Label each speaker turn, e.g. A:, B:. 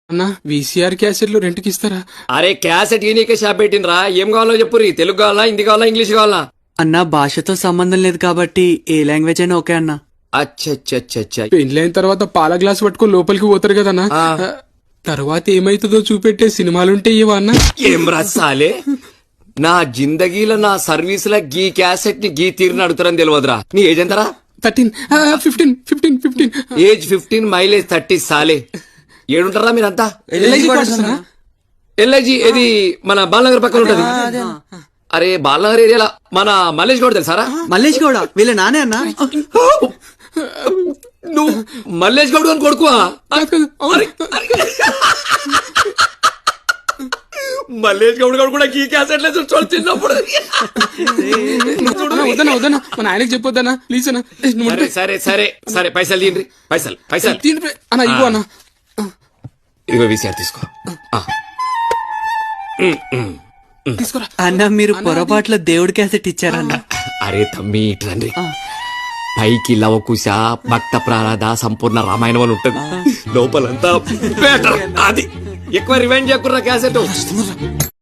A: అన్నా వీసీఆర్ క్యాసెట్లు రెంట్కి ఇస్తారా?
B: అరే క్యాసెట్ ఈనీకే షాప్ పెట్టినరా? ఏం కావాలో చెప్పురి. తెలుగు కావాలా, హిందీ కావాలా, ఇంగ్లీష్ కావాలా?
C: అన్నా భాషతో సంబంధం లేదు కాబట్టి ఏ లాంగ్వేజ్ అయినా ఓకే అన్నా.
B: అచ్చచ్చచ్చచ్చ.
A: పెళ్ళైన తర్వాత పాల గ్లాస్ పట్టుకొని లోపలికి పోతారు కదన్నా, తర్వాత ఏమైతుందో చూపెట్టే సినిమాలుంటే ఇవా అన్నా?
B: ఏం రాసాలే, నా జిందగీలో నా సర్వీస్ ల గీ క్యాసెట్ ని గీ తీరుని అడుగుతారని తెలియదురా. నీ ఏజ్ ఎంతరా?
A: 13, 15.
B: ఏజ్ 15, మైలేజ్ 30 సాలే. ఏడుంటారా మీరంతా? ఎల్ఐజీ ఇది మన బాలనగర్ పక్కన ఉంటది. అరే బాలనగర్ ఏరియాలో మన మల్లేష్ గౌడ్ తెలుసారా?
C: మల్లేష్ గౌడ వీళ్ళ నానే అన్నా.
B: నువ్వు మల్లేష్ గౌడ్ అని కొడుకువా? మల్లేష్ గౌడ్ గౌడ్ కూడా ఈ క్యాసెట్ లేదు చిన్నప్పుడు.
A: వద్దనా మన ఆయనకి చెప్పొద్దనా ప్లీజ్ అన్నా.
B: సరే సరే సరే పైసలు తీయండి. పైసలు
A: అన్నా ఇవ్వు అన్నా.
B: ఇదిగో వీసీఆర్ తీసుకో.
A: తీసుకోరా
C: అన్నా. మీరు పొరపాట్ల దేవుడి క్యాసెట్ ఇచ్చారన్నా.
B: అరే తమ్మి ఇట్రండి. పైకి లవకుశ, భక్త ప్రారాధ, సంపూర్ణ రామాయణం అని ఉంటది. లోపలంతా బెటర్. అది ఎక్కువ రివైండ్ చేయకుర్రా క్యాసెట్.